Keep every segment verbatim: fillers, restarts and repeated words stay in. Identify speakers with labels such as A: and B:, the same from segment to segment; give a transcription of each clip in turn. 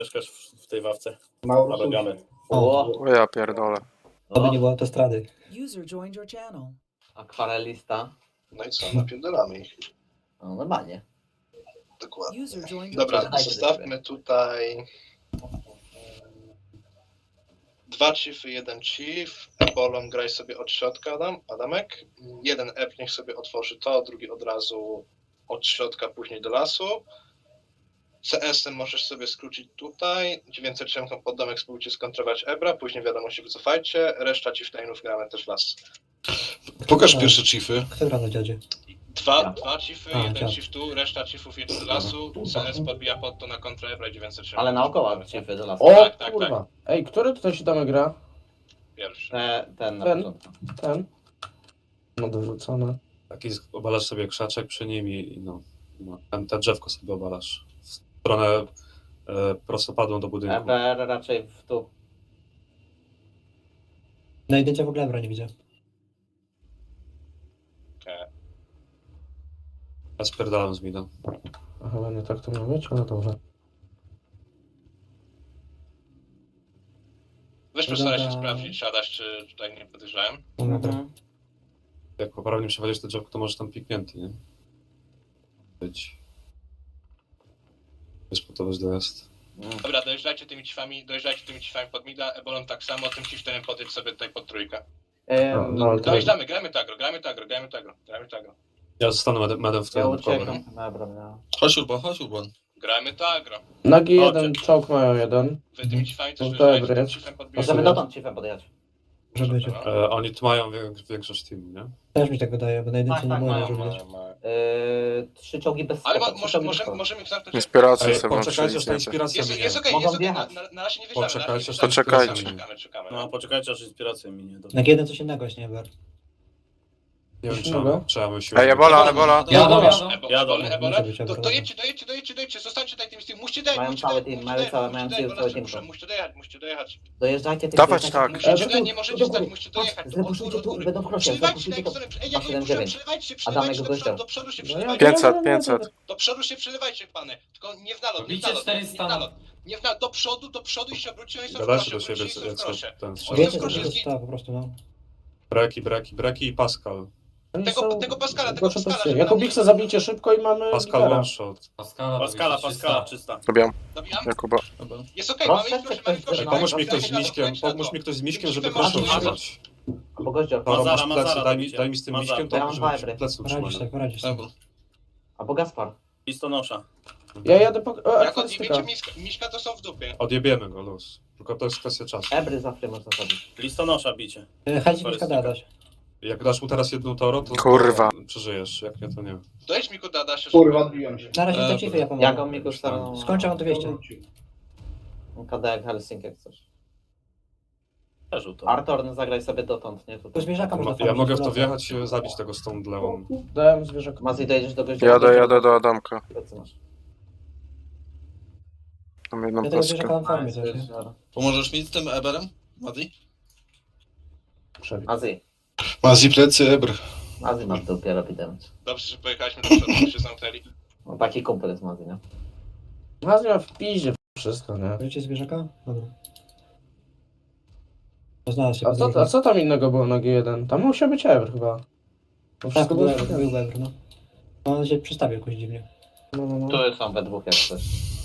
A: Mieszkasz w, w tej ławce.
B: Mauro
A: Nabegamy.
C: O,
D: O ja pierdolę.
C: to by nie było autostrady.
E: User joined your channel.
C: Akwarelista.
B: No i co, napierdolamy ich.
C: No normalnie.
B: Dokładnie.
E: User joined your
B: Dobra,
E: channel.
B: zostawmy tutaj dwa chiefy, jeden chief. Ebolą graj sobie od środka, Adam, Adamek. Jeden ep niech sobie otworzy to, drugi od razu od środka, później do lasu. C S-em możesz sobie skrócić tutaj. dziewięćset siedem pod domek spróbujcie skontrować Ebra, później wiadomo się wycofajcie. Reszta chieftainów gramy też w las.
F: Pokaż pierwsze chiefy.
G: Kto gra na dziadzie?
B: Dwa,
C: Ja.
B: dwa chiefy,
G: A,
B: jeden
G: dziad.
B: chief tu, reszta chiefów jedzie do lasu. C S podbija pod to na kontrę Ebra i dziewięćset siedem.
C: Ale naokoło chiefy do lasu.
H: O
B: Tak, tak,
H: kurwa. Ej, który tutaj się tam gra?
B: Pierwszy.
C: Te, ten na
H: Ten?
C: początku.
H: Ten? No dorzucone.
F: Taki obalasz sobie krzaczek przy nim i no, no ten, ten drzewko sobie obalasz. W stronę e, prostopadłą do budynku.
C: E B R raczej w tu.
G: Na jedynce w ogóle Ebra nie widzę.
F: Ja spierdalam z mida.
H: A chyba nie tak to miało być, ale dobrze.
B: Weź
G: No
B: postaraj się
G: dobra.
B: sprawdzić, siadasz, czy tutaj nie podejrzałem.
G: Dobra.
C: Mhm.
F: Jak poprawnie przewalisz to drzewko, to może tam piknięty, nie? Być. Jest po to bez dojazd.
B: Dobra, dojeżdżajcie tymi chiefami, dojeżdżajcie tymi chiefami pod mida, Ebolon tak samo, tym chieftainem podjedź sobie tutaj pod trójkę.
C: Ym,
H: No, no,
B: Dojeżdżamy, gramy tagro, gramy tagro, gramy tagro, gramy tagro.
F: Ja zostanę medem, medem w
C: ja
F: tym cover.
C: uciekam. Dobra, no.
F: Chodź Urban, chodź Urban.
B: Gramy tagro.
H: Nagi
A: Chodźcie.
H: jeden, czołg mają jeden.
B: Wy tymi chiefami też
H: No
B: dojeżdżajcie,
H: dobra,
B: tym
H: jest.
B: chiefem
C: Możemy
B: podbijecie.
C: dotąd chiefem podjechać.
G: Może być.
F: E, oni tu mają wiek, większość teamu, nie?
G: Też mi tak wydaje, bo na jedynce
C: Tak,
G: nie
C: tak,
G: było
C: mają,
G: może
B: Mają,
G: widać.
B: mają.
C: Yy, trzy czołgi bez
B: Ale
C: skoku,
B: mo,
C: trzy
B: może,
C: czołgi bez
B: możemy,
C: skoku.
B: możemy knapnąć.
D: Inspirację
F: Ej,
D: sobie
F: poczekajcie, aż ta
D: włączyliśmy.
F: inspiracja
B: Jest,
F: minie.
B: jest okej,
C: Mogą
B: jest okej, na,
C: wjechać.
B: na, na razie nie wjeżdżamy, na razie nie
F: Poczekajcie, aż
B: wjeżdżamy.
F: ta
D: Poczekajcie.
F: inspiracja minie.
B: Czekamy, czekamy.
A: No, poczekajcie, aż inspiracja minie. Dobra.
G: Na jeden coś innego jest, nie Eber.
F: Nie wiem,
H: Innego?
F: trzeba, trzeba myśleć.
D: Ej, ebola, ebola.
G: Jadą,
A: jadą.
B: Ebo-
A: Jadą.
B: Ebola, Ebola.
G: Może być
B: Do-
G: Ebola.
B: Dojedźcie, dojedźcie, dojedźcie, dojedźcie, zostańcie tutaj tymi z tym. Musicie dojechać,
C: Mają
B: musicie
C: cały
B: dojechać,
C: team,
B: musicie
C: mają
B: dojechać,
C: całe-
B: musicie
C: mają
B: dojechać,
C: cały
B: bo
C: team.
B: muszę- musicie dojechać, musicie dojechać.
C: Dojeżdżajcie tych
D: Dawać
C: dojeżdżajcie
D: tak.
C: tych-
H: E,
B: Musicie
H: to
B: dojechać,
H: tu-
B: nie możecie
H: do
B: stać,
H: góry.
B: musicie dojechać.
C: Patrz, zebuszujcie tu i będą w krosie,
B: Przelewajcie na
C: zebuszujcie tu.
B: ekstremt. Ej, jak
C: dwa
B: go
C: siedem
B: puszczam,
C: dziewięć.
B: przelewajcie się,
C: Adamek
B: przelewajcie
C: go
B: do przodu,
C: gościa.
B: do przodu się
H: No
B: przelewajcie.
D: pięćset, pięćset.
B: Do przodu się przelewajcie, pany. Tylko nie w nalot, nie w
I: Bicie
B: nalot, nie w
I: czterysta.
B: nalot. Nie w nalot, do przodu, do przodu i się obróciłem i są w
F: Gadajcie
B: krosie,
F: do siebie,
B: obrócili i są
F: jak
B: w krosie.
F: ten
B: Oni
G: Wiecie,
B: są w
G: co
B: krosie,
G: to
B: z
G: jest po prostu, no.
F: Breki, breki, breki i Pascal.
H: Oni
B: Tego-
H: są
B: tego Pascala, tego
H: gorsze
B: Pascala,
H: pozycje.
B: żeby
H: Jako
B: nam-
H: Bixa zabijcie szybko i mamy
F: Pascal
H: lidera.
F: one shot.
I: Pascala,
A: Paskala,
I: robisz,
A: Paskala,
I: czysta.
A: czysta.
D: Dobijam.
B: Dobijam?
D: Jakuba.
B: Jest okej,
C: Proszę,
B: mamy ich w krosie,
C: czy
B: mamy ich w
C: ktoś-
B: krosie.
C: Ej,
F: Pomóż mi
B: mamy
F: ktoś
B: ich
F: z
B: w krosie,
F: miskiem,
B: mamy ich w krosie.
F: pomóż mi ktoś z miskiem,
B: Tym
F: żeby
B: miskiem
F: proszę
B: masz-
F: utrzymać.
C: Albo gościa.
F: Toro,
A: Mazara,
F: masz plecy,
A: Mazara
F: daj mi,
A: robicie.
F: daj mi z tym
A: Mazara.
F: miskiem, to
C: Ja mam
F: żeby
C: fibry.
F: plecy
G: Poradzisz
F: utrzymać.
G: tak, poradzisz tak.
C: Albo Gaspar.
A: Listonosza.
H: Ja jadę po... O,
B: Jak
H: akwarystyka.
B: odjebiecie miska, miśka, to są w dupie.
F: Odjebiemy go, luz. Tylko to jest kwestia czasu.
C: Ebry zawsze można zabić.
A: Listonosza bicie.
G: Chęć mi szkoda dać.
F: Jak dasz mu teraz jedną toro, to
D: Kurwa.
F: to przeżyjesz, jak nie, to nie.
B: Dojedź mi ku Dada się. Kurwa, odbiłem się.
G: Na razie te chiefy ja pomogę.
C: Jaką mi kosztowało?
G: Skończę mam to dwieście.
C: K D jak Helsinki jak coś.
A: Leżu to.
C: Artorn zagraj sobie dotąd, nie?
G: To
C: Tutaj.
G: zwierzaka można
F: Ja
G: farmić,
F: mogę w to
G: wraca.
F: wjechać i zabić tego z tą dlewą.
H: Dałem zwierzaka.
C: Mazi, dojedziesz do gościa.
D: Jadę, jadę do Adamka.
C: Plecy masz.
D: Mam jedną
G: Ja tego zwierzaka
D: paskę.
G: mam farmię też, nie?
F: Pomożesz mi z tym Eberem, Madi?
H: Przebieg.
C: Mazi.
F: Mazi plecy, Eber.
C: Mazi ma w dupie robi damage.
B: Dobrze, że pojechaliśmy do przodu, bo się zamknęli.
C: No taki kumpel jest Mazi, nie?
H: Mazi ma w piździe wszystko, nie?
G: Bierzecie zwierzaka? Dobra. To znalazł się
H: A
G: pod
H: co,
G: drugim.
H: a co tam innego było na G jeden? Tam musiał być Ever chyba. To
G: Tak,
H: wszystko
G: był
H: było
G: Eber, był Eber, no. No, on się przestawił jakoś dziwnie.
H: No, no, no.
C: Tu są we dwóch jak coś.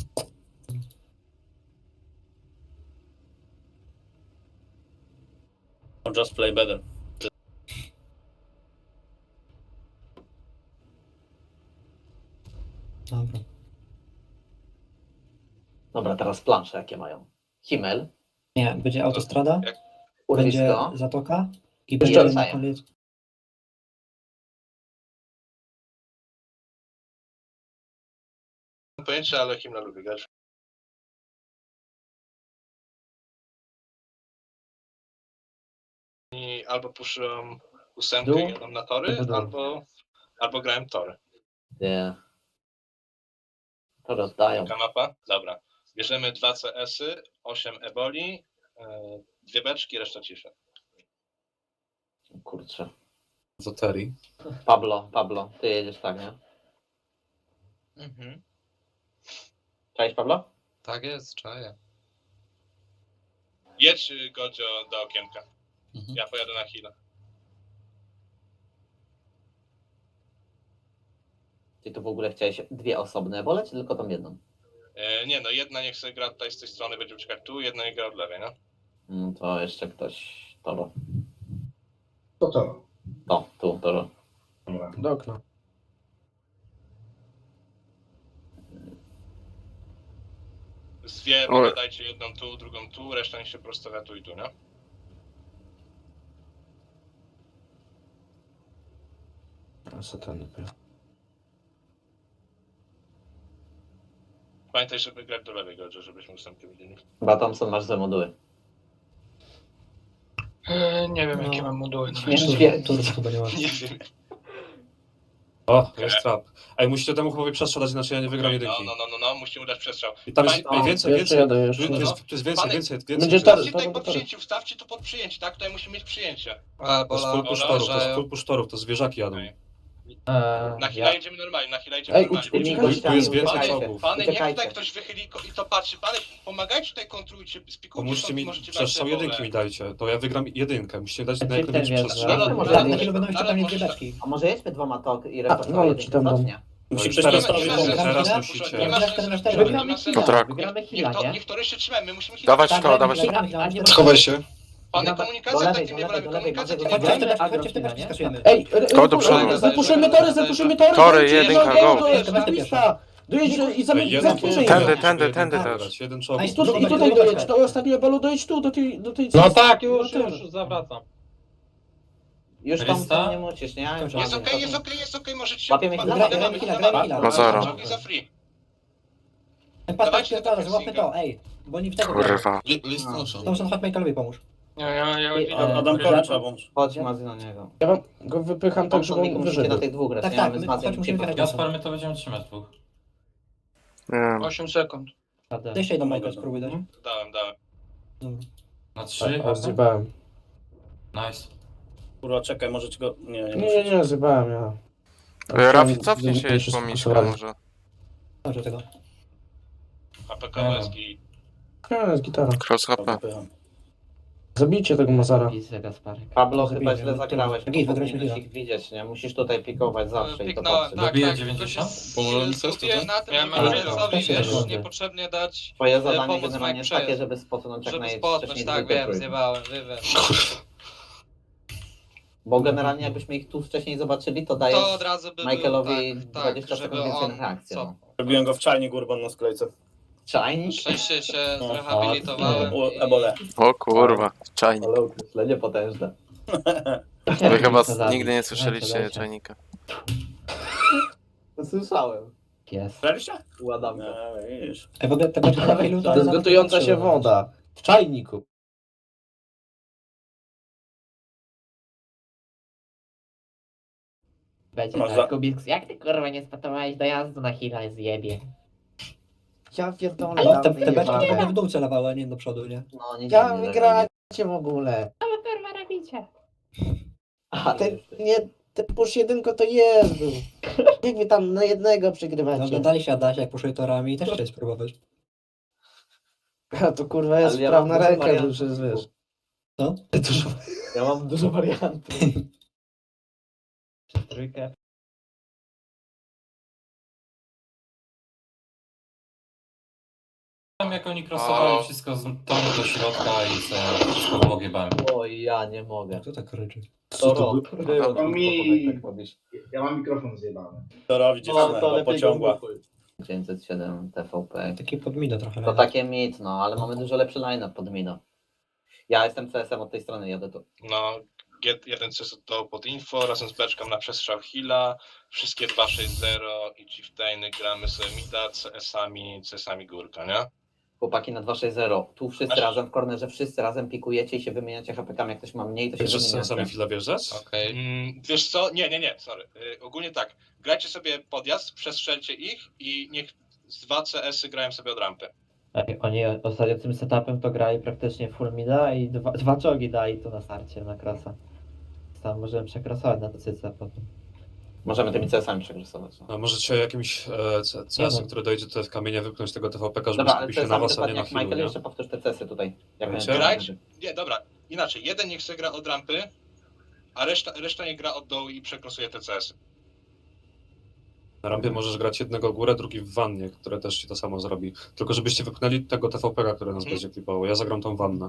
A: Just play better.
G: Dobra.
C: Dobra, teraz plansze jakie mają. Himmel.
G: Nie, będzie autostrada,
B: Jak-
G: będzie
C: Urwisko.
G: zatoka i
C: Jeszcze
G: będzie na
C: wracają.
G: koniec.
B: Mam pojęcie, ale Himna lubi grać. I albo puszyłem ósemkę
H: Dół?
B: i jadą na tory,
H: Dół.
B: albo, albo grałem tory.
C: Nie. To rozdają.
B: Taka mapa? Dobra. Bierzemy dwa C S-y, osiem eboli, e, dwie beczki, reszta ciszy.
C: Kurczę.
F: Zoteri.
C: Pablo, Pablo, ty jedziesz tak, nie?
B: Mhm.
C: Cześć Pablo?
E: Tak jest, czaję.
B: Jedź y, Godzio do okienka.
F: Mhm.
B: Ja pojadę na chwilę.
C: Czy tu w ogóle chciałeś dwie osobne ebole, czy tylko tą jedną?
B: E, nie no, jedna niech sobie gra tutaj z tej strony, będzie uciekać tu, jedna niech gra od lewej, no.
C: Mm, To jeszcze ktoś... Toro.
I: To to.
C: O, tu, Toro.
I: Dobra.
H: Do okna.
B: Zwie,
D: Oj.
B: dajcie jedną tu, drugą tu, reszta niech się prostawia tu i tu, nie?
H: A satany pojechał.
B: Pamiętaj, żeby grać do lewej Godzio, żebyśmy ustępy widzieli.
C: Chyba Thompson masz za moduły.
E: Eee, nie wiem,
G: No.
E: jakie mam moduły.
C: Śmiesznie.
G: Tur chyba nie ma.
B: Nie wiem.
F: O, jest trap. Ej, musicie temu chłopowi przestrzał dać, inaczej ja nie wygram
B: No,
F: jedynki.
B: no, no, no, no, musimy dać przestrzał.
F: I tam jest
B: Pamię-
F: ej, więcej,
H: Jeszcze
F: więcej.
H: jadę,
F: Tu
H: jeszcze
F: jest, tu
H: jadę.
F: jest, tu jest więcej,
B: Panie-
F: więcej, więcej.
H: Będzie
F: więcej.
H: tar-
B: Stawcie tutaj
H: to-
B: pod
H: to-
B: przyjęcie, wstawcie tu pod przyjęcie, tak? Tutaj musimy mieć przyjęcie.
E: A,
F: To jest
E: bola,
F: full push torów, to jest
E: uważają.
F: full push torów, to zwierzaki jadą.
B: Okej.
C: Eee,
B: Na chwilę jedziemy normalnie, na chwilę jedziemy
H: Ej,
B: normalnie.
H: uciekaj,
B: Będziemy-
H: uciekaj.
F: Tu jest więcej
B: Panie,
F: czołgów.
B: pany, niech
C: Uciekajcie.
B: tutaj ktoś wychyli ko- i to patrzy. Pany, pomagajcie tutaj, kontrujcie, spikujcie
F: Pomóżcie
B: stąd,
F: mi,
B: możecie brać
F: przestrzał
B: te
F: jedynki
B: pole.
F: mi dajcie, to ja wygram jedynkę. Musicie dać
C: Ten
F: na jak najwięcej
C: wiesz,
F: przestrzał.
C: że-
B: No, no,
C: może-
B: no,
G: Na
B: no,
G: chwilę będą jeszcze
B: ale
G: tam mieć
B: możesz
G: dwie
B: tak-
G: beczki.
C: A może jedźmy dwoma tok i
H: A,
C: resztą
H: no,
C: jedynki,
H: ci tam dam.
C: co? Nie?
A: Musi
F: Teraz
A: ktoś
B: Nie ma-
A: postawić
B: nie ma
A: bombę.
B: sensu,
F: Teraz
B: nie ma
F: musicie.
B: sensu, nie ma
G: Wygramy
B: sensu,
G: chwilę,
B: nie ma
H: wygramy
B: sensu.
D: chwilę.
H: Wygramy
B: Niech
H: chwila,
B: to,
H: nie?
B: niech to jeszcze trzymamy, musimy chwilę.
D: Dawać
G: Tak,
D: to, dawać to.
G: wygramy, ale nie ma-
F: Schowaj się.
B: Pany,
C: Do
B: komunikacja
C: lewej,
B: takimi
C: do lewej,
B: levelami,
C: do lewej,
B: komunikacja
C: do
B: tymi
C: lewej.
G: Chodźcie,
B: levelami.
G: chodźcie, chodźcie, te beczki skasujemy.
H: Ej,
D: Koło do przodu.
H: zapuszczmy- zapuszczmy tory, zapuszczmy tory!
D: Tory,
H: dojedźcie,
D: jedynka,
H: dojedźcie,
D: go.
H: dojedźcie, na lista. Dojedź i zamy-
F: Jedną
H: zapuszczę
F: czołgów.
H: je.
D: Tędy, tędy, tędy
F: Jeden
D: też.
F: Jeden
G: A
F: czołg.
G: i
H: Tu, I tutaj dojedź, do ostatniego balu dojedź tu, do tej... Do tej
I: No tak, już,
H: No
I: już, zawracam.
C: Już tam
E: Lista?
C: to nie musisz, nie?
B: Jest okej, jest okej, jest okej, możecie...
C: Łapiemy chwilę,
B: Dawamy,
G: gramy chwilę,
B: dawamy,
G: gramy chwilę.
D: No zero.
B: Czołgi za free.
G: Ten pas
B: Dawajcie
G: pierdolę,
B: te
G: złapmy
B: pressing.
G: to, ej. Bo oni w tego
D: Kurwa.
F: List noszą.
G: Thompson, chodź Michaelowi pomóż.
E: Ja, ja, ja,
G: Ej,
E: ja,
G: a-
A: Adamkowi trzeba pomóc.
C: Chodź Mazy na niego.
H: Ja wam go wypycham tak,
C: Thompson,
H: żeby
C: Miku,
H: on
C: musicie
H: wyżył.
C: na tych dwóch grać,
G: Tak,
C: nie?
G: tak,
C: Mamy z
G: my-
C: Mazem
G: chodź, musimy
C: Ciepło.
G: wyjechać.
E: Gaspar, my to będziemy trzymać dwóch.
D: Nie wiem.
E: osiem sekund.
G: Jeszcze jedną Michael spróbuj dać.
B: Dałem, dałem.
G: Dobra.
E: Na trzy.
H: A, zjebałem.
E: Nice.
A: Kurwa, czekaj, możecie go... Nie, nie,
H: Nie, nie,
A: muszę.
H: nie, zjebałem ja.
D: E, Rafi, cofnij się
H: Ja
D: jeszcze po miśka może.
G: Dobrze tego.
B: A P K jest i...
H: Nie, jest gitara.
D: Cross H P.
A: Wypycham.
H: Zabijcie tego Mazara.
C: Pablo,
G: Zabijmy,
C: chyba źle
G: no to-
C: zagrałeś,
G: Git,
C: bo
G: wygraliśmy
C: powinieneś
G: chwilę.
C: ich widzieć, nie? Musisz tutaj pikować zawsze i to
J: Piknąłem,
C: patrzeć.
J: tak,
E: Dobiję
J: tak.
E: dziewięćdziesiąt?
J: Tylko się
F: Pomogłem
J: s-
F: coś
J: skupiłem
F: tutaj?
J: na tym,
E: Miałem
J: żeby
E: nadzieję.
J: Wilsowi,
G: Też
J: wiesz,
G: jest.
J: niepotrzebnie dać,
C: Twoje
J: e,
C: zadanie
J: pomóc
C: generalnie
J: Mike
C: jest takie,
J: przejąć.
C: żeby spotnąć jak
J: Żeby
C: najwcześniej
J: spotnąć, tak,
C: dwójkę,
J: wiem,
C: trójkę.
J: zjebałem, wywem.
C: Bo generalnie jakbyśmy ich tu wcześniej zobaczyli, to dajesz
J: To od razu by
C: Michaelowi
J: był, tak,
C: dwadzieścia
J: tak,
C: sekund
J: żeby
C: więcej
J: on
C: na reakcję.
J: co?
C: No.
A: Robiłem go w czajnik urban na sklejce.
C: Czajnik?
J: Szczęście się
A: No,
J: zrehabilitowałem.
A: U
J: i-
A: ebole.
D: O kurwa, czajnik.
C: Ale określenie potężne.
D: Wy chyba s- nigdy nie słyszeliście czajnika.
C: Słyszałem.
A: Słyszeliście?
C: U Adamka.
A: No, widzisz.
G: Ej, w ogóle te beczki na chwilę
H: To jest gotująca się woda. W czajniku.
K: Będzie
A: Masz za-
K: tak, Kubiks, jak ty kurwa nie spatowałeś dojazdu na Hila zjebie?
H: Ja pierdolę.
G: Ale te, te beczki to będą w dół celowały, a nie do przodu, nie?
C: No, nie
H: Ja
C: dziwnie,
H: wygracie w ogóle.
K: Co wy kurwa robicie?
C: A
H: Te,
C: ty
H: nie, te push jedynko to jest był. Jak wy tam na jednego
G: No,
H: przegrywacie?
G: oglądaliście Adasia, jak poszły torami i też chcieli spróbować.
H: A to kurwa jest
C: Ale ja
H: sprawna
C: mam dużo
H: ręka,
C: wariantów.
H: już jest, wiesz.
G: No? Dużo.
C: Ja mam dużo wariantów.
K: Przez trójkę.
E: Tam jak oni crossowali wszystko z tonu do środka i sobie wszystko w bogie bałem.
C: Oj, ja nie mogę.
G: Kto tak ryczy?
C: To rok. Było
I: To mi-
C: tylko, tak robisz.
I: Ja mam mikrofon zjebany.
A: To robi dziewczynę, bo pociągła.
C: dziewięćset siedem T V P.
G: Taki podmina trochę.
C: To takie mit, no, ale mamy dużo lepszy line-up pod Mino. Ja jestem C S M od tej strony, jadę tu.
B: No, G jeden C S to pod info, razem z beczką na przestrzał Hila, wszystkie dwa sześć zero i Chieftainy gramy sobie mida, C S-ami, C S-ami górka, nie?
C: Chłopaki na dwa sześć zero. Tu wszyscy
B: Masz-
C: razem w kornerze, wszyscy razem pikujecie i się wymieniacie H P kami. Jak ktoś ma mniej, to się
F: Wiesz, że z
C: wymieniacie.
F: sensami chwilę wjeżdżać?
J: Okej.
B: Mm, wiesz co? Nie, nie, nie, sorry. Y, ogólnie tak, grajcie sobie podjazd, przestrzelcie ich i niech z dwa C S-y grają sobie od rampy.
K: Ej, oni ostatnio tym setupem to grali praktycznie full mida i dwa, dwa czołgi dali tu na starcie na krasa. Tam możemy przekrasować na to cyce potem.
C: Możemy tymi C S-ami przegrysować. No.
F: A możecie jakimś e, C- CS-em,
G: no.
F: który dojdzie tutaj w kamienie, wypchnąć tego T V P K, żeby
C: Dobra, ale
F: skupił się na
C: C S-ami
F: was, a nie
C: dokładnie
F: na
C: jak
F: chwilę,
C: Michael,
F: nie?
C: jeszcze powtórz te C S-y tutaj. Jak
F: Wiecie?
C: będzie.
B: Grać? Nie, dobra, inaczej. Jeden niech sobie gra od rampy, a reszta, reszta nie gra od dołu i przekrosuje te C S-y.
F: Na rampie możesz grać jednego górę, drugi w wannie, które też ci to samo zrobi. Tylko żebyście wypchnęli tego T V P K, które nas
B: Mhm.
F: będzie klipało. Ja zagram tą wannę.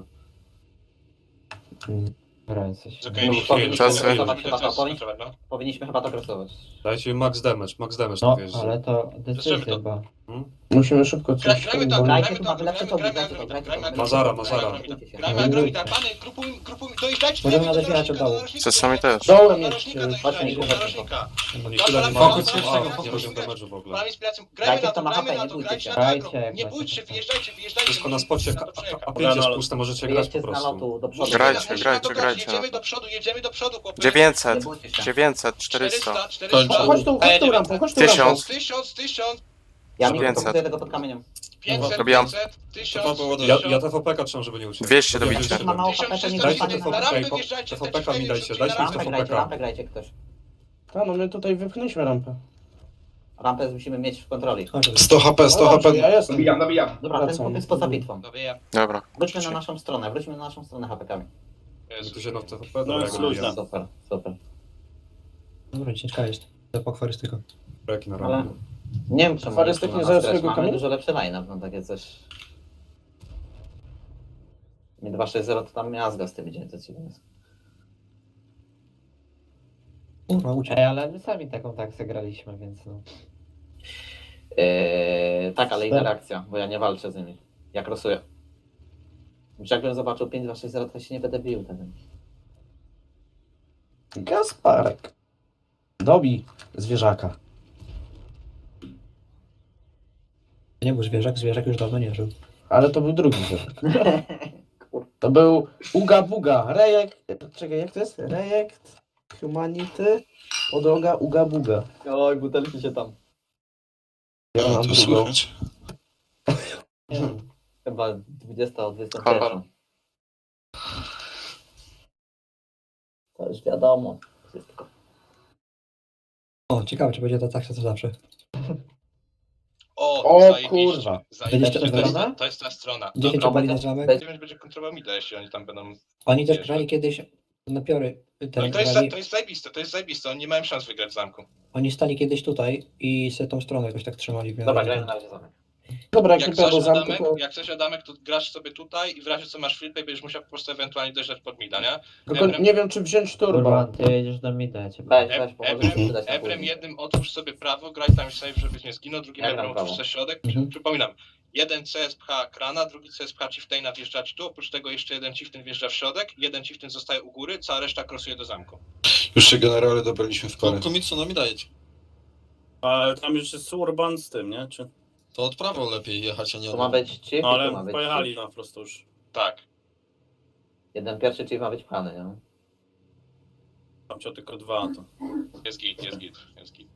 K: Dobra, jesteś.
B: Z okej,
C: No,
B: nie-
C: powinniśmy
D: czasy.
C: krysować
B: te
C: chyba
B: C
C: to,
B: S-y
C: powinni-
B: kontrolować, no.
C: powinniśmy chyba to krysować.
F: Dajcie mi max damage, max damage
K: No,
F: na wjeździe.
K: ale to decyzja,
B: to.
K: bo...
H: Musimy szybko
B: Gra,
H: coś
B: grajmy
H: tam...
B: to,
C: Grajcie
B: grajmy
C: tu,
B: to,
C: mamy lepsze
B: grajmy,
C: czołgi,
B: grajmy
C: grajcie to,
B: Agromita,
C: grajcie to.
B: grajmy
F: Mazara,
B: Agromita,
F: Mazara.
B: grajmy Agromita. Grajmy Agromita, pany, grupuj, grupuj, dojeżdżajcie
G: Możemy
B: do
G: nadać
B: narożnika,
G: od dołu.
B: do narożnika,
D: Czasami też.
H: Dołem
B: do
H: jest...
B: narożnika,
H: y,
B: dojeżdżajcie, do
C: chodźmy,
B: narożnika.
F: Oni tyle nie
B: Fokus,
F: mają,
B: fokus,
F: a,
B: fokus,
F: nie
B: fokus.
F: poziom damage'u w ogóle.
B: Plami inspiracją,
C: Grajcie
B: grajmy na
C: kto
B: to,
C: ma
B: grajmy
C: H P,
B: na
C: nie
B: to,
C: bójcie
B: grajcie
C: się.
B: na to agro.
K: Grajcie, jak
B: Nie
K: macie
B: bójcie,
K: H P.
B: wjeżdżajcie, wjeżdżajcie.
F: Wszystko na spocie,
B: na to przejechać.
F: a pięć jest
A: Dobra,
F: puste, możecie grać po
C: Wyjedźcie z
F: prostu.
C: nalotu do przodu.
D: Grajcie,
B: Musimy
D: grajcie,
B: to grać,
D: grajcie.
B: Jedziemy do przodu, jedziemy do przodu, chłopy.
D: dziewięćset,
C: Bójcie się.
D: dziewięćset, czterysta.
B: czterysta, czterysta.
H: Chodź tu, chodź tu rampą, chodź tu rampą.
D: Tysiąc.
B: Tysiąc, tysiąc,
C: Ja nie
D: pięćset.
C: proponuję tego pod kamieniem.
B: pięćset,
D: Robiłam.
B: pięćset,
A: To
B: tysiąc,
A: było
F: Ja,
B: tysiąc.
F: ja T V P K trzymam, żeby nie uciekł.
D: dwieście do
F: Dobra,
D: bicia.
F: dwieście
C: Ma mało
B: tysiąc
C: H P, to
B: trzysta
C: nie
F: Dajcie
C: dostanie
F: T V
C: na
B: Na
F: P,
B: rampę
F: po-
B: wjeżdżajcie,
F: T V P
B: wtedy
F: K mi
B: wtedy
F: dajcie,
B: wrzucili
F: dajcie
B: na
F: mi T
C: Rampę
F: V
C: grajcie,
F: P K.
C: rampę grajcie ktoś.
H: Ta, no my tutaj wypchnęliśmy rampę.
C: Rampę musimy mieć w kontroli.
G: Chodź,
H: sto H P, sto H P. Ja jestem.
I: Nabijam, nabijam.
C: Dobra, ten
H: Wracam.
C: punkt jest poza bitwą.
B: Dobije.
D: Dobra.
C: Wróćmy na naszą stronę, wróćmy na naszą stronę H P kami.
F: My tu się na T V P,
A: No,
F: dobra,
A: jest
F: jak
A: luźna.
F: nabijam.
C: Super, super.
G: Dobra, ciężka jest. To pokwarystyko.
F: Breki na
C: Ale
F: rampie.
C: nie wiem czemu
H: Farystyk
C: nie
H: nie
C: na
H: zajął
C: stretch.
H: swojego
C: Mamy
H: kamienia?
C: dużo lepszy line-up, no takie coś. Nie dwa sześć zero to tam miazga z tym idzie, to ci jest.
G: Kurwa, uciekł.
K: Ej, ale my sami taką taksę graliśmy, więc no.
C: Eee, tak, ale interakcja, bo ja nie walczę z nimi. Ja krosuję. Już jakbym zobaczył pięć dwa sześć zero, to się nie będę bił wtedy.
H: Gasparek. Dobi zwierzaka.
G: Nie był zwierzak, zwierzak już dawno nie żył.
H: Ale to był drugi zwierzak. To był Uga Buga. Rejekt. Czekaj, jak to jest? Rejekt. Humanity. Podłoga Uga Buga.
C: Oj, butelki się tam.
H: Ja mam drugą.
C: Nie wiem, chyba dwudziesta o dwudziestej
D: Kolor.
C: pierwszej. To już wiadomo. Wszystko.
G: O, ciekawe, czy będzie to tak, co zawsze.
B: O,
H: O,
B: zajebiście,
H: kurwa.
B: zajebiście.
G: Będziecie
B: To jest,
G: rozważać?
B: to jest ta strona.
G: dziesięć
B: Dobra,
G: obali na zamek.
C: Będzie-
B: dziewięć będzie kontrolował mida, jeśli oni tam będą...
G: Oni też
B: Wiesz,
G: grali
B: tak.
G: kiedyś napiory.
B: No
G: Ten,
B: i to jest,
G: grali,
B: to jest zajebiste, to jest zajebiste, oni nie mają szans wygrać w zamku.
G: Oni stali kiedyś tutaj i se tą stronę jakoś tak trzymali. w miarę.
C: Dobra, grajmy na razie zamek.
H: Dobra, jak
B: Jak
H: nie pojadą
B: coś,
H: zamku,
B: Adamek,
H: to...
B: jak coś Adamek, to grasz sobie tutaj i w razie co masz flipę, będziesz musiał po prostu ewentualnie dojrzeć pod mida, nie?
H: Tylko nie wiem, czy wziąć turbo.
K: Kurwa, ty jedziesz do mida, ja cię
C: Weź,
B: E-
C: weź, pomożesz
B: Ebrem,
C: mi wydać na
B: Ebrem
C: później.
B: jednym otwórz sobie prawo, graj tam safe, żebyś nie zginął, drugim
C: Ja gram
B: Ebrem otwórz
C: prawo.
B: sobie środek.
G: Mhm.
B: Przypominam, jeden C S pcha krana, drugi C S pcha chieftaina wjeżdża ci tu, oprócz tego jeszcze jeden chieftain wjeżdża w środek, jeden chieftain zostaje u góry, cała reszta krosuje do zamku.
L: Już się generale dobraliśmy w parę.
E: Komicu, no mi dajecie.
A: Ale tam już jest Urban z tym, nie? Czy...
E: To od prawo lepiej jechać, a nie
C: Tu
E: od
C: ma być chip
A: No
C: i tu ma
A: ale
C: być
A: pojechali
C: chip.
A: na prosto już.
B: Tak.
C: Jeden pierwszy chip ma być pchany, nie?
A: Tam cię tylko dwa, to...
B: Jest git, jest git, jest git.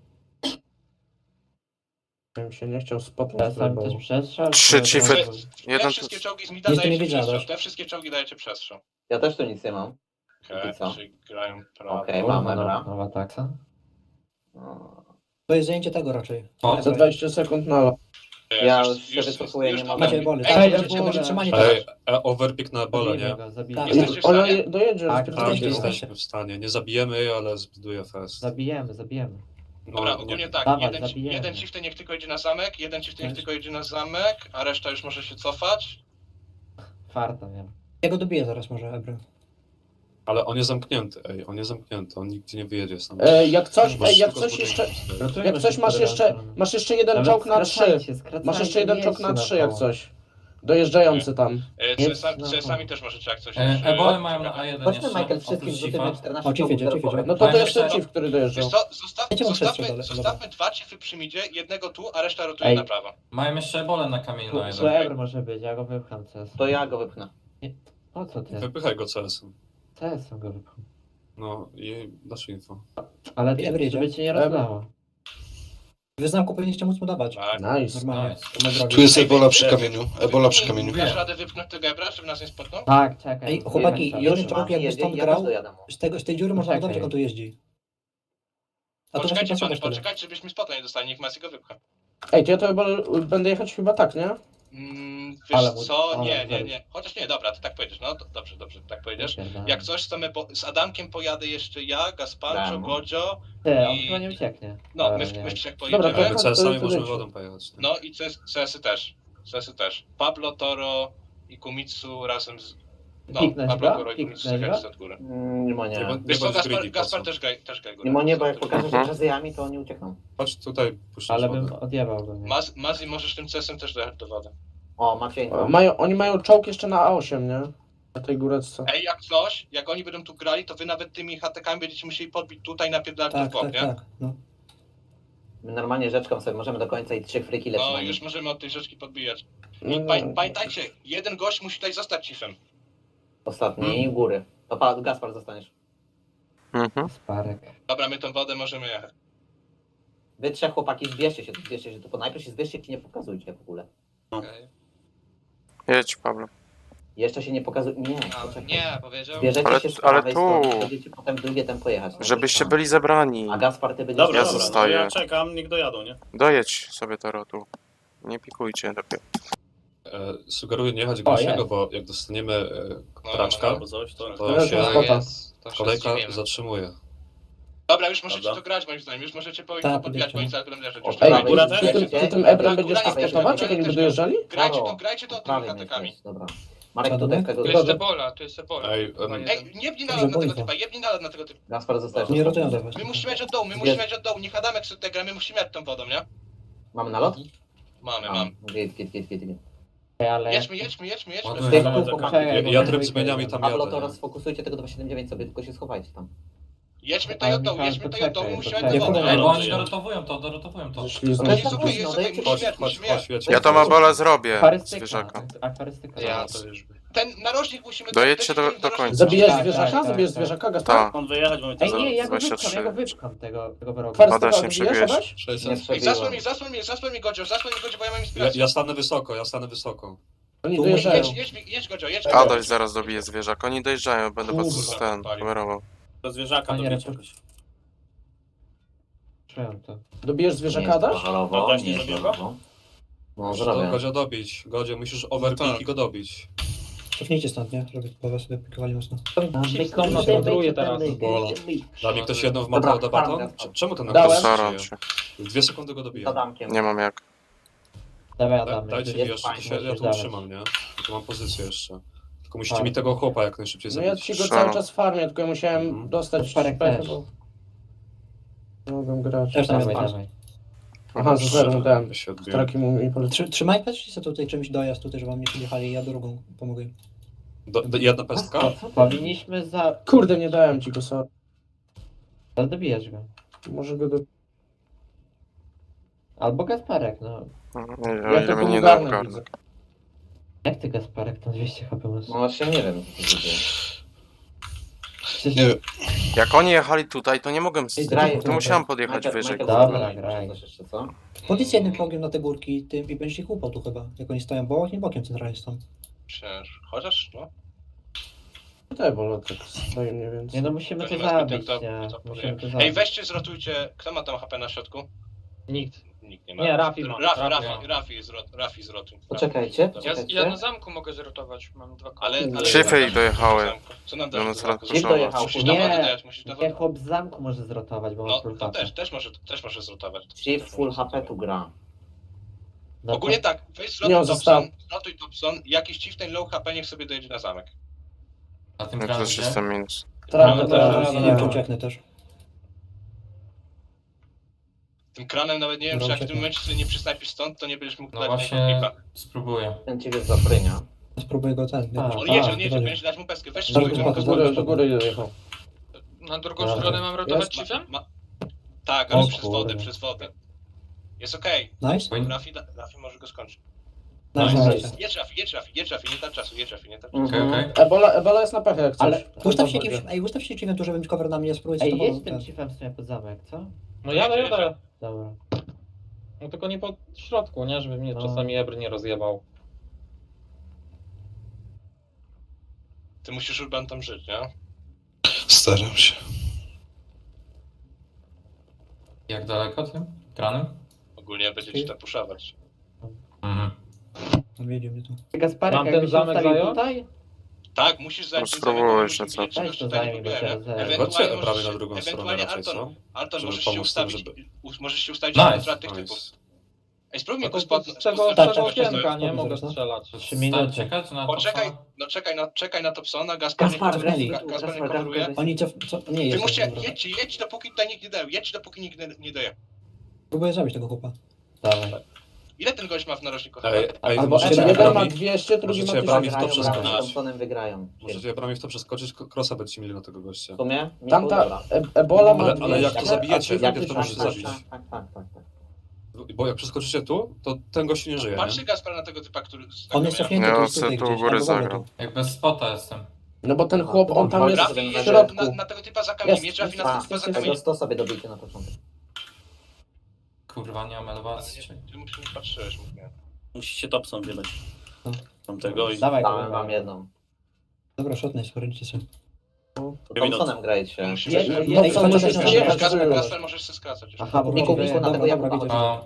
H: Ja bym się nie chciał
K: Ja
H: spotnąć.
K: sam
H: bo-
K: też przestrzał.
D: Trzy
K: czy
D: chipy.
K: od razu?
B: Te
D: Jeden
B: wszystkie
D: tu...
B: czołgi z mida
G: Nic tu nie
B: dajecie
G: wiedziałem,
B: przestrzał,
G: też.
B: te wszystkie czołgi dajecie przestrzał.
C: Ja też tu nic nie mam.
B: Okej,
C: I co?
B: czyli grają prawo.
C: Okej,
K: Kurwa,
C: mamy,
K: nowa,
C: dobra.
K: nowa taksa.
C: No.
G: To jest zajęcie tego raczej.
E: O,
H: Za dwadzieścia sekund na
C: Ja już się wycofuję, nie
B: to-
C: mogę.
G: Macie bole,
B: Ej,
G: tak?
H: Ej,
G: Będzie,
H: ja
G: będzie
H: wolę.
G: trzymanie
F: Ej,
G: teraz.
F: e, overpick na bole,
K: Zabijmy
F: nie?
K: go, zabijmy
G: Tak.
K: go.
B: Jesteście w
H: Ona
B: stanie?
H: je- dojedzie.
K: Tak,
H: z
F: Tak,
G: Jesteście w
F: jesteśmy
G: stanie.
F: w stanie. Nie zabijemy jej, ale zbuduje fest.
K: Zabijemy, zabijemy.
F: No,
B: Dobra,
F: nie-
B: ogólnie tak,
K: Dawaj,
B: jeden,
K: zabijemy.
B: jeden chieftain niech tylko idzie na zamek, jeden chieftain niech
G: Weź.
B: tylko idzie na zamek, a reszta już może się cofać.
K: Farta miałem.
G: Ja go dobiję zaraz może, Ebry.
F: Ale on jest zamknięty, ej, on jest zamknięty, on nigdzie nie wyjedzie sam.
H: E, jak coś,
F: Możesz
H: ej, jak
F: tylko
H: coś
F: zbudować
H: jeszcze...
F: fest.
K: Rotujmy
H: Jak coś
K: się
H: masz
K: cztery
H: jeszcze...
K: strony.
H: Masz jeszcze jeden
K: Nawet
H: czołg na trzy.
K: skracajcie, skracajcie,
H: Masz jeszcze jeden
K: nie
H: czołg na
K: jedźcie
H: trzy, jak
K: koło.
H: coś. Dojeżdżający tam.
B: E,
K: Jest
B: C S
K: na-
B: C S-ami też możecie jak coś.
E: E,
B: już, e,
E: Ebole mają na A jeden
C: Chodźmy,
E: jeszcze,
C: Michael, wszystkim
E: oprócz
C: rzucimy
E: Chifa.
C: czternaście
G: O, Chief jedzie,
C: czołgów
G: Chief jedzie.
C: zero
H: No to to
E: Fajne
H: jest ten
E: jeszcze-
H: chief, który dojeżdżał.
B: Wiesz co, zostaw,
G: Ja cię mam
B: zostawmy,
G: przestrzał dalej,
B: zostawmy dwa chiefy przy midzie, jednego tu, a reszta rotuje
K: Ej.
B: na prawo.
E: Mają jeszcze ebole na kamieniu
K: Tu,
E: na
K: tu
E: jeden.
K: Ebr może być, ja go wypcham C S.
C: To ja go wypchnę.
K: Po co ty?
F: Wypychaj go C S-em.
K: C S go wypcham.
F: No i dasz info.
K: Ale
G: Ebr jedzie.
K: żeby cię nie rozlało.
G: Wy znamku powinniście móc mu dawać.
B: Tak.
H: Nice.
G: Normalnie.
E: Nice.
G: Na drogi.
L: Tu jest ebola przy kamieniu. Ebola przy
B: Wypchnij,
L: kamieniu.
B: Dasz radę wypchnąć tego ebra, żeby nas nie spotkał?
K: Tak, czekaj.
G: Ej, chłopaki,
K: Jeden
G: jeden
K: czas.
G: czołg jakby
C: jedzie,
G: stąd
C: ja
G: grał,
C: też dojadę mu.
G: z, tego, z tej dziury można
K: Czekaj.
G: wydobyć, jak on tu jeździ. A to
B: Poczekajcie
G: właśnie
B: pany,
G: patrz wtedy.
B: poczekajcie, żebyśmy spota nie dostali, niech Messi go wypcha.
H: Ej, to ja to chyba będę jechać chyba tak, nie?
B: Mm, wiesz
K: Ale mu-
B: co,
K: ale
B: nie, nie,
K: zaraz.
B: nie. Chociaż nie, dobra, ty tak pojedziesz, no to dobrze, dobrze, tak pojedziesz.
K: Pierdolę.
B: Jak coś, to my po, z Adamkiem pojadę jeszcze ja, Gasparczo,
C: Dam.
B: Godzio,
K: Ty, on
B: i-
K: chyba nie ucieknie.
B: no,
K: Ale
B: my,
K: nie
B: my
K: wiem.
B: jak
H: Dobra,
B: pojedziemy.
H: to-
F: My C S-ami
H: to
F: możemy
H: leci.
F: wodą pojechać.
B: No i C S-y też, C S-y też. Pablo, Toro i Kumitsu razem z... No,
K: Piknąć
B: Pablo,
K: go?
B: Toro i Kumitsu
K: Piknąć
B: czekajcie
K: go?
B: od góry.
C: Mm, Nie ma
F: Nie,
C: nie.
F: bo-
B: Wiesz co,
F: bądź
B: Gaspar,
F: greedy, po
B: Gaspar
F: co?
B: też gaj, też gaj go.
C: Nie ma nie, bo jak
B: razem.
C: pokażę, że
D: Mhm.
C: jazzyjami, to oni uciekną.
F: Chodź tutaj, puszczać
K: Ale
F: wodę.
K: bym odjebał go, nie?
B: Maz, Mazi, możesz tym C S-em też dojechać do wody.
C: O, Maciej.
H: O, Mają, oni mają czołg jeszcze na A osiem, nie? Na tej góreczce.
B: Ej, jak coś, jak oni będą tu grali, to wy nawet tymi hatekami będziecie musieli podbić tutaj, napierdalać
G: Tak,
B: w bok,
G: tak,
B: nie?
G: tak. No.
C: My normalnie rzeczką sobie możemy do końca i trzy friki lecimy.
B: No, już możemy od tej rzeczki podbijać.
H: No,
B: I
H: no.
B: paj, pamiętajcie, jeden gość musi tutaj zostać chiefem.
C: Ostatni góry. To pa, Gaspar zostaniesz.
D: Mhm.
K: Sparek.
B: Dobra, my tą wodę możemy jechać.
C: Wy trzech chłopaki, zbierzcie się, zbierzcie się tu. Najpierw się zbierzcie i nie pokazujcie w ogóle.
J: Okej.
D: Jedź, Pablo.
C: Jeszcze się nie pokazuj. Nie,
J: A,
C: poczekaj.
J: nie, powiedział.
C: Zbierzecie
D: Ale-
C: się z
D: ale
C: prawej
D: tu.
C: strony, będziecie potem w drugie tempo jechać.
D: Żebyście byli zebrani.
C: A Gaspar, ty będziesz...
A: Dobra,
D: Ja
A: dobra, no
D: zostaję.
A: ja czekam, niech dojadą, nie?
D: Dojedź sobie to rotu. Nie pikujcie dopiero.
F: E, sugeruję nie jechać
K: O,
F: gąsiego,
K: jest.
F: bo jak dostaniemy e,
B: No,
F: traczka,
B: no,
A: Albo coś, to...
F: to
H: Dobra,
F: się
H: to
J: Tak
H: spota.
J: jest. To się
F: kolejka
J: zdziwimy.
F: zatrzymuje.
B: Dobra, już możecie
A: Dobra.
B: to grać moim zdaniem, już możecie po,
G: Tak,
B: podbijać, bo oni
G: podjedźcie.
B: zaraz będą leżeć.
C: O,
B: Już
C: prawej
B: grajcie,
A: góra
C: jest
A: też?
H: Ty tym, ty tym Ebrem będziesz
B: Góra jest
H: startować,
B: też,
H: jak oni
B: też.
H: będą dojeżdżali?
B: grajcie to,
C: Prawo.
B: grajcie to tymi
C: Prawej
B: hatekami.
C: jest, dobra. Marek
G: Co,
C: tutaj
G: dobra?
C: tego...
J: Tu jest Ebola, tu jest Ebola.
F: Ej, em,
J: Chyba
B: Ej,
J: jeden.
B: nie bnij
G: Dobrze,
B: nalot na tego
G: boję
B: typa, jebnij nalot na tego typa.
C: Gaspar zostajesz.
G: Nie rotują do was.
B: My musimy mieć od dołu, my musimy
C: Jest.
B: mieć od dołu, niech Adamek sobie gra, my musimy mieć tą wodą, nie?
C: Mamy nalot?
B: Mamy,
C: A,
B: mam.
C: Git, git, git, git, git.
K: Ej, ale...
B: Jedźmy, jedźmy, jedźmy, jedźmy.
E: Ładuję.
C: Z tych
A: Dobra,
C: dwóch
A: czekaj.
C: chłopaków.
F: ja,
K: Czekaj, bo
F: ja
K: to
F: tryb
K: dwójka
F: zmieniam i
K: jadę.
F: tam
C: Pablo, to
F: jadę.
C: rozfokusujcie tego dwa siedem dziewięć sobie, tylko się schowajcie tam.
B: Jedźmy tutaj
K: Ale
B: od dołu,
K: Michał,
B: jedźmy tutaj od dołu,
K: poczekaj,
B: musimy
K: poczekaj.
B: mieć tą wodę.
A: Ja
E: Ej,
A: to
E: bo
B: nie?
E: oni dorotowują to, dorotowują to.
H: Szli
B: To
H: znowu.
B: jest okej, jest okej,
F: Chodź,
B: musimy,
F: chodź,
B: musimy
F: chodź,
B: mieć.
F: jedź.
D: Ja to Mabola zrobię.
K: Akwarystyka.
D: Zwierzaka.
K: Akwarystyka.
J: Ja
F: to
J: już.
B: Ten narożnik musimy...
D: Dojedźcie do-
B: weźmy
D: do
B: narożnik.
D: końca.
H: Zabijesz
K: Tak,
H: zwierzaka?
K: tak, tak,
H: Zabijesz
K: tak.
H: zwierzaka, Gaspar?
D: Tak.
A: On wyjechać, bo my
K: Ej,
A: to...
K: nie, ja go
D: dwadzieścia
K: wypcham,
D: trzy.
K: ja go wypcham tego, tego wroga.
H: Kwarystyka
D: Adaś, nie
H: zabijesz,
D: przebiłeś.
H: Adaś?
C: Nie
B: Ej, zasłoń
C: przebiłem.
B: mnie, zasłoń mnie, zasłoń mnie, Godzio, zasłoń mnie, Godzio, bo ja mam
F: Ja,
B: inspirację.
F: ja stanę wysoko, ja stanę wysoko.
H: Oni
G: Tu
H: dojeżdżają.
B: Jedź, jedź, jedź, Godzio, jedź.
D: Adaś zaraz dobije zwierzak. Oni dojeżdżają, będę was
H: Kurwa.
D: ten kamerował.
A: Do zwierzaka
K: Panie
A: dobić
K: Repu-
A: jakoś.
K: Czułem to.
H: Dobijesz
C: Nie
H: zwierzaka,
C: jest
H: Adaś?
C: halowo,
A: Adaś,
C: nie
A: nie
C: jest
A: zabija go?
C: halowo. No,
F: Musisz
C: zrobię.
F: to Godzio dobić. Godzio, musisz overpick i go dobić.
G: Cofnijcie stąd, nie? Żeby po was sobie pikowali mocno.
K: Koncentruje teraz.
F: Da mi ktoś jedną w
C: Dobra,
F: Mateo baton?
C: farmę.
F: Cze- Czemu ten
H: Dałem.
F: napis
D: Staram
F: żyje?
D: się.
F: W dwie sekundy go dobiję.
C: Z Adamkiem.
D: Nie mam jak.
K: Dawaj,
F: Da,
K: Adam.
F: dajcie mi
C: jest
F: jeszcze,
C: fajnie,
F: się, ja
K: musisz
F: tu
K: dawać.
F: utrzymam, nie? Tu mam pozycję jeszcze. Tylko musicie
K: Tak.
F: mi tego chłopa jak najszybciej
H: No ja
F: zabić.
H: ci go
D: Strzelam.
H: cały czas farmię, tylko ja musiałem
F: Mhm.
H: dostać
K: Parek
H: pechę,
K: też.
H: bo... Nie mogłem grać.
G: Też tam
K: Dawaj,
G: jest
K: dawaj.
H: Aha, z zerem dałem.
F: Ja się odbiję.
H: Traki mu mi poleci.
G: Trzy, trzymaj patrzcie sobie tutaj czymś dojazd tutaj, żeby wam nie podjechali i ja drugą pomogę im.
F: Do, do, jedna pestka?
K: Powinniśmy za...
H: Kurde, nie dałem ci go, sorry.
K: Ale dobijesz go.
H: Może go do...
K: Albo Gasparek, no.
D: Nie, o
H: Ja
D: ile
H: to
D: mnie nie
H: pomagam,
D: dał garnek.
H: widzę.
K: Jak ty Gasparek, to dwieście H P masz?
C: No właśnie nie wiem, co to dzieje.
K: Przecież...
L: Nie wiem.
D: Jak oni jechali tutaj, to nie mogłem.
G: Ej,
D: Z...
G: graj,
D: To musiałem podjechać
C: Michael-
D: wyżej.
C: Michael
K: Dobra,
C: Jordan,
K: graj.
C: coś jeszcze, co?
G: Podjedź jednym czołgiem na te górki tym i będziesz ich łupał tu chyba. Jak oni stoją bokiem, bokiem centralnie stąd.
B: Przecież, chociaż, no.
H: Te bolo tak stoi mniej więcej.
K: Nie no, musimy
B: To
K: to
B: nie ma zbyt
K: zabić,
B: jak to-
K: nie.
B: to
K: Musimy
B: powiem.
K: to
B: Ej,
K: zabić.
B: weźcie, zrotujcie, kto ma tam H P na środku?
J: Nikt.
B: Nikt nie ma.
J: Nie, Rafi ma.
B: Rafi,
J: Rafi
B: Rafi,
J: ma.
B: Rafi, zrot, Rafi zrotuj.
C: Poczekajcie,
J: Ja,
C: poczekajcie.
J: ja na zamku mogę zrotować, mam dwa koła.
B: Ale, ale...
D: Szyfy ich dojechały.
B: Co nam
D: No,
B: dasz?
D: no,
B: do
D: coraz
B: zamku?
D: to
C: Gdzie dojechał?
B: Musisz na wodę
K: Nie,
B: dać, musisz na
K: nie
B: wodę.
K: chłop z zamku może zrotować, bo ma
B: No,
K: full
B: to
K: H P.
B: też, też może, też może zrotować.
C: Chief full H P tu gra.
K: No to-
B: Ogólnie tak, weź
H: Nie,
B: zrotuj
H: on został.
B: Dobson, zrotuj Dobson, jakiś chieftain low H P niech sobie dojedzie na zamek.
E: A tym
D: Jak
E: kranem
D: też
E: gdzie?
D: jestem minus.
H: Traka
G: No,
H: teraz.
G: to
H: nie.
G: ja ucieknę też.
B: Tym kranem nawet nie wiem,
G: Dobra,
B: czy jak w tym
G: uciekam.
B: momencie sobie nie przysnajpisz stąd, to nie będziesz mógł
E: No
B: dać
E: właśnie,
B: na klipa.
E: spróbuję.
C: Ten ciebie jest zaprynia.
G: Spróbuję go ten.
K: A,
G: jakoś-
B: On
K: tak,
B: jedzie, on jedzie,
G: dobra.
B: będziesz dać mu peskę. Weź
G: Dobra,
B: sobie
G: dobra,
H: Do
B: go
H: góry, do góry dojechał.
J: Na drugą
K: Dobra.
J: stronę mam rotować
H: Jest?
J: chiefem?
B: Ma... Tak, ale
K: O
B: przez wodę,
K: kurde.
B: przez wodę. Jest okej.
G: Nice?
E: Bo-
B: Rafi, da- Rafi może go skończyć.
G: Nice,
K: Nice.
G: nice.
B: Jedź Rafi, jedź Rafi, jedź Rafi, nie tam czasu, jedź Rafi, nie tam czasu.
E: Okej,
C: Mhm.
E: okej.
H: Ebola, Ebola jest na pechę jak coś.
K: Ale-
G: Ustaw się jakimś, ej, ustaw się chiefem tu, żeby mieć cover na mnie, spróbuj
K: Ej,
G: z
K: jedź
G: tobą.
K: tym
G: ten.
K: chiefem w sumie pod zamek, co?
J: No jadę, jadę.
K: Dobra.
J: No tylko nie po środku, nie? Żeby mnie
K: No.
J: czasami Ebr nie rozjebał.
B: Ty musisz Urban tam żyć, nie?
L: Staram się.
E: Jak daleko tym ekranem?
B: Ogólnie będziecie tam puszować.
E: Mhm.
G: On wiedzie mnie tu.
K: Gasparek,
J: Mam ten
K: jakbyś się
J: zamek
K: ustawił
J: zająć?
K: tutaj?
B: Tak, musisz zająć
D: No
B: ten zamek,
D: spróbuj
B: bo
D: jeszcze,
B: musimy
D: co?
B: wiedzieć, czegoś
K: Weź to
B: tutaj
K: zajmij, bo
B: nie
K: się
B: próbujemy.
K: rozejrzę.
F: Chodźcie
B: Ewentualnie
F: prawie na
B: możesz,
F: drugą stronę
B: ewentualnie
F: raczej,
B: Alton,
F: co?
B: Alton
F: Żeby
B: możesz się
F: pomóc tym,
B: ustawić,
F: żeby-
B: u- możesz się ustawić
E: Nice.
B: na kontraty tych typów.
F: Nice.
B: Ej, spróbuj
J: No
B: mi go
J: to
B: spod...
J: z czego,
B: spod-
J: z
G: Tak,
J: czego
G: tak, tak,
J: okienka
G: tak,
J: nie
G: tak,
J: mogę
G: zaraz, no.
J: strzelać?
K: Trzy minuty.
E: Czekać na
B: Poczekaj,
E: Thompsona?
B: no czekaj na, czekaj na Thompsona, Gaspar nie
K: Gaspar,
B: coveruje.
K: graj,
B: Gaspar nie
K: Gaspar,
B: coveruje.
K: graj.
G: Oni co, co nie
B: Wy
G: jest.
B: musicie,
G: dobra.
B: jedźcie, jedźcie dopóki tutaj nikt nie daje, jedźcie dopóki nikt nie, nie daje.
G: Próbuję zabić tego chłopa.
K: Dawaj.
B: Ile ten gość ma w narożniku?
F: Ej, ej,
H: Albo
F: możecie
H: jeden ma
F: brami,
H: dwieście, drugi ma
F: możecie brami w
H: tysiąc.
F: to
C: Wygrają,
F: przeskoczyć.
C: razem z Thompsonem wygrają.
F: Możecie brami w to przeskoczyć, ko- crossa będziecie mieli na tego gościa.
C: W sumie? Miku,
H: Tamta
C: dobra.
H: e Ebola ma
F: Ale-
H: dwieście,
F: ale jak to
H: a
F: zabijecie,
H: ty
F: jak
H: tysiąc.
F: to
C: Tak,
F: możecie
C: tak,
F: zabić.
C: tak, tak, tak, tak, tak.
F: Bo jak przeskoczycie tu, to ten gość nie żyje,
B: Patrzy
F: nie?
B: Gaspar na tego typa, który...
G: On jest cofnięty
D: Ja
G: tu, jest
D: chcę
G: tutaj
D: tu
G: gdzieś.
D: u góry
G: albo w ogóle
D: zagram.
G: tu.
E: Jak bez spota jestem.
H: No bo ten chłop, on tam jest
B: Trafi
H: w
B: jedzie
H: środku.
B: na, na tego typa za kamieniem,
H: Jest,
B: nie trafi na
C: A,
B: tego typa za
G: jest,
B: kamieniem.
C: tego sto sobie dobijcie na początek.
E: Kurwa, nie mam
B: Ale
E: elewacji.
B: nie, ty musisz patrzyłeś, mówię.
A: Musicie Thompson wydać.
G: No.
A: Tamtego i...
K: Dawaj,
C: Dałem
K: kurwa.
C: wam jedną.
G: Dobra, shotny, sporęcie sobie.
C: To Thompsonem grajcie.
B: Musimy...
K: Je- je-
G: Ej,
H: No co,
G: chodź,
H: możesz
G: chodź, chodź,
H: przyjechać,
G: chodź,
B: Gaspar,
H: żeby-
B: Gaspar możesz się skracać już.
K: Aha, bo
G: Niku,
K: mówię,
G: Niku, na tego
K: dobra,
G: Jakuba
K: dobra,
G: chodź.
E: A,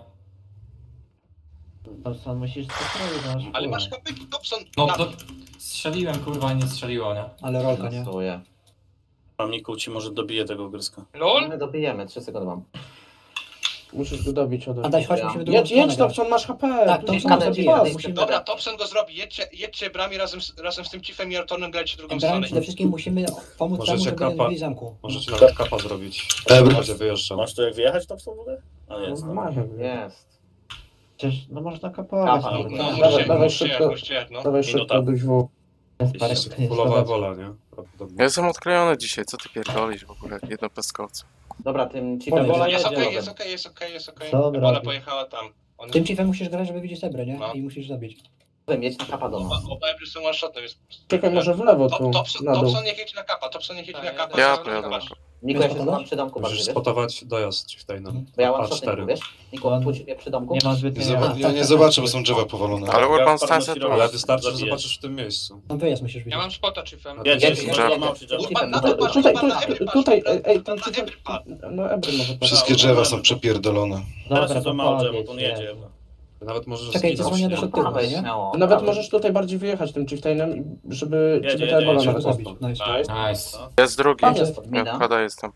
K: Thompson, musisz spokojnie, no masz
B: Ale
K: kurwa.
B: masz kopyk, Thompson...
E: no
B: na-
E: to strzeliłem kurwa i nie strzeliło, nie?
G: Ale rolka, nie?
C: Pasuję.
A: Tam Niku ci może dobije tego gryzka.
B: LOL?
C: My dobijemy, trzy sekundy mam.
H: Musisz go dobić ode
G: A
H: mnie.
G: daj, chodź,
C: Ja.
G: musimy drugą
H: Jedź,
G: stronę
H: jedź,
G: grać.
H: Thompson, masz H P.
G: Tak,
H: tu
G: Thompson
H: są
C: Thompson
H: zabijać.
C: zabija.
G: musimy...
B: Dobra, Thompson go zrobi, jedźcie, jedźcie brami razem z, razem z tym Chiefem i Artonem, grajcie drugą
G: Brałem
B: stronę.
G: przede wszystkim musimy pomóc
F: Możecie
G: temu, żeby
F: kapa-
G: nie wybili zamku.
F: Możecie nawet kapa zrobić.
L: Ebr.
F: Będzie wyjeżdżał.
A: Masz tu jak wyjechać Thompson w ogóle? A jest.
H: No,
A: No.
H: ma jakby.
C: Jest.
K: Przecież, no można kapować.
C: Kapa,
K: no.
C: no,
B: No,
C: Dawaj,
B: musicie,
H: dawaj
B: musicie,
H: szybko.
B: musicie, no.
H: Dawaj
A: Minuta.
H: szybko, duś w.
K: Gasparek,
F: Jest
K: to nie
F: Fulowa
K: szkoda.
F: ebola, nie? Prawdopodobnie.
D: Ja jestem odklejony dzisiaj, co ty pierdolisz w ogóle? Jedno pestkowce.
C: Dobra, tym ci
G: Ebola
C: tam
B: Jest
G: jedzie.
B: okej, jest okej, jest okej, jest okej.
K: Co on
B: Ebola
K: robi?
B: pojechała tam. On...
G: Tym chiefem musisz grać, żeby widzieć Ebrę, nie?
B: No.
G: I musisz zabić.
C: mieć na kapa do
B: Oba,
C: nas.
B: oba Ebry są one shotem, więc...
H: Czekaj, może w lewo tu,
B: Top, Thompson,
H: na dół.
B: Thompson niech jedzie na kapa, Thompson niech jedzie na kapa.
D: Ja
B: Thompson
D: pojadę na
B: kapa.
C: Niku, ja się
G: Wiesz,
C: schowam przy domku bardziej,
F: Musisz
C: wiesz?
F: spotować dojazd Chieftainem.
C: Bo ja mam
F: A
C: shotny,
F: cztery.
C: wiesz? Niku, pójdź mnie przy domku.
K: Nie ma
L: Nie,
K: zbytnio...
L: zoba-
G: A,
L: ja
G: tak,
L: nie
G: tak,
L: zobaczę,
G: tak.
L: bo są drzewa powalone.
D: Ale Urban
A: Gaspar
D: stance
A: nosi
D: tu.
A: rolę.
F: Ale wystarczy, że
A: Zabijesz.
F: zobaczysz w tym miejscu.
G: Tam wyjazd musisz widzieć.
B: Ja mam spota Chiefem.
F: No,
A: Jedzie,
F: Jedzie,
A: jedzie,
D: drzewo.
A: drzewo, drzewo.
B: Urban, na
G: Tutaj,
B: to patrz,
H: Tutaj,
B: Urban, na
H: tu,
B: Ebry
H: tutaj,
B: patrz,
H: ej, ej,
B: Urban,
H: tam
B: na Ebry patrz.
H: No Ebry może patrzeć.
L: Wszystkie drzewa są przepierdolone.
G: No,
A: Teraz
K: Dobra,
A: jest za
K: to
A: mało drzewo,
K: podjedź,
A: to on jedzie.
K: jedzie.
F: Nawet możesz
G: Czekaj,
F: zginąć,
G: dzwonię do
F: nie?
G: szybkiego. tyłu,
C: Prawej,
G: nie?
C: śmiało.
H: Nawet
C: prawej.
H: możesz tutaj bardziej wyjechać tym Chieftainem, i- żeby
A: Jedzie,
H: ciebie ta
A: jedzie,
H: ebola
A: jedzie.
H: nawet
G: Zabić.
H: zabić.
G: Nice.
B: Nice.
E: Nice.
D: Jest drugi.
H: Tam jest.
C: Mina.
D: Ja wkłada jestem.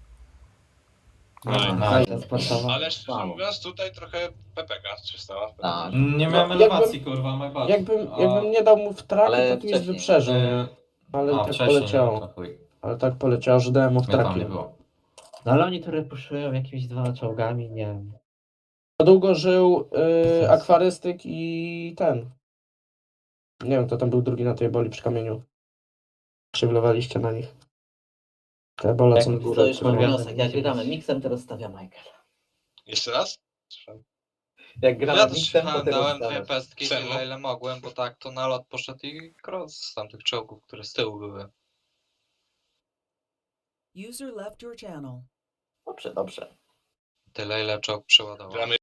E: Nice.
K: Nice, sportowa.
B: Ale szczerze
C: Wow.
B: mówiąc, tutaj trochę pepeka się stała.
C: Tak.
E: Nie miałem
H: Jakbym-
E: elewacji kurwa, my bad.
H: Jakbym,
E: A-
H: jakbym nie dał mu w trak,
C: Ale
H: to tu jest
C: wcześniej.
H: wyprzeżył.
E: Yy,
H: Ale
E: a,
H: tak
E: wcześniej,
H: poleciało.
E: no to chuj.
H: Ale tak poleciało, że dałem mu w
E: Mnie tam
H: traki.
E: nie było.
K: No ale oni tu repuszują jakimiś dwoma czołgami, nie wiem.
H: Za długo żył
K: Sens.
H: y, akwarystyk i ten. Nie wiem, kto tam był drugi na tej eboli przy kamieniu. Przywilowaliście na nich. Te ebole
K: Jak
H: są
K: to
H: górę.
C: To już
H: które-
C: mam wniosek, jak gramy miksem, teraz stawia Michael.
B: Jeszcze raz?
C: Jak gramy
J: Ja to
C: miksem, to
J: słuchałem,
C: teraz
J: dałem dwie
C: stawiasz.
J: pestki
B: Czemu?
J: tyle ile mogłem, bo tak to na lot poszedł i cross z tamtych czołgów, które z tyłu były.
M: User left your channel.
C: Dobrze, dobrze.
J: Tyle ile czołg przeładował.
B: Gramy